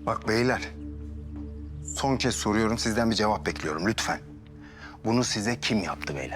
Bak beyler, son kez soruyorum, sizden bir cevap bekliyorum lütfen. Bunu size kim yaptı beyler?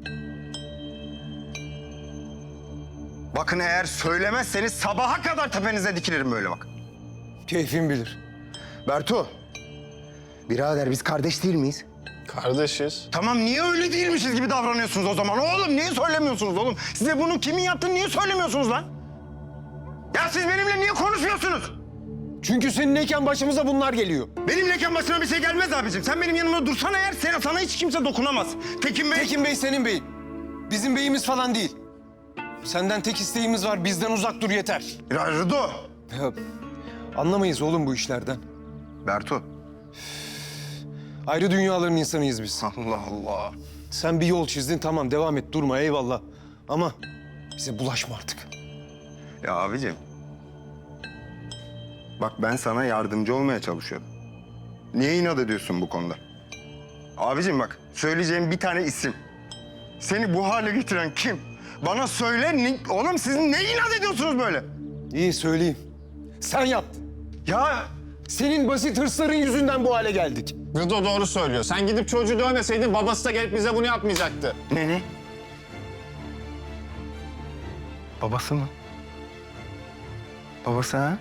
Bakın eğer söylemezseniz sabaha kadar tepenize dikilirim böyle bak. Keyfin bilir. Bertu, birader biz kardeş değil miyiz? Kardeşiz. Tamam, niye öyle değilmişiz gibi davranıyorsunuz o zaman? Oğlum niye söylemiyorsunuz oğlum? Size bunu kimin yaptığını niye söylemiyorsunuz lan? Ya siz benimle niye konuşmuyorsunuz? Çünkü seninleyken başımıza bunlar geliyor. Benimleyken başına bir şey gelmez abicim. Sen benim yanımda dursan eğer sana hiç kimse dokunamaz. Tekin Bey... Tekin Bey senin beyin. Bizim beyimiz falan değil. Senden tek isteğimiz var, bizden uzak dur yeter. Ya Rıdo! Ya, anlamayız oğlum bu işlerden. Bertu. Ayrı dünyaların insanıyız biz. Allah Allah. Sen bir yol çizdin, tamam devam et, durma eyvallah. Ama bize bulaşma artık. Ya abicim. Bak ben sana yardımcı olmaya çalışıyorum. Niye inat ediyorsun bu konuda? Abicim bak, söyleyeceğim bir tane isim. Seni bu hale getiren kim? Bana söyle, oğlum siz ne inat ediyorsunuz böyle? İyi söyleyeyim. Sen yaptın. Ya Senin basit hırsların yüzünden bu hale geldik. Rıdo doğru söylüyor. Sen gidip çocuğu dövmeseydin babası da gelip bize bunu yapmayacaktı. ne? Babası mı? Babası ha?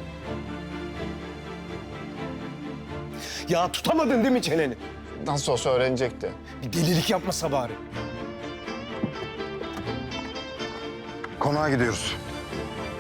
Ya tutamadın değil mi çeneni? Nasıl olsa öğrenecekti. Bir delilik yapmasa bari. Konağa gidiyoruz.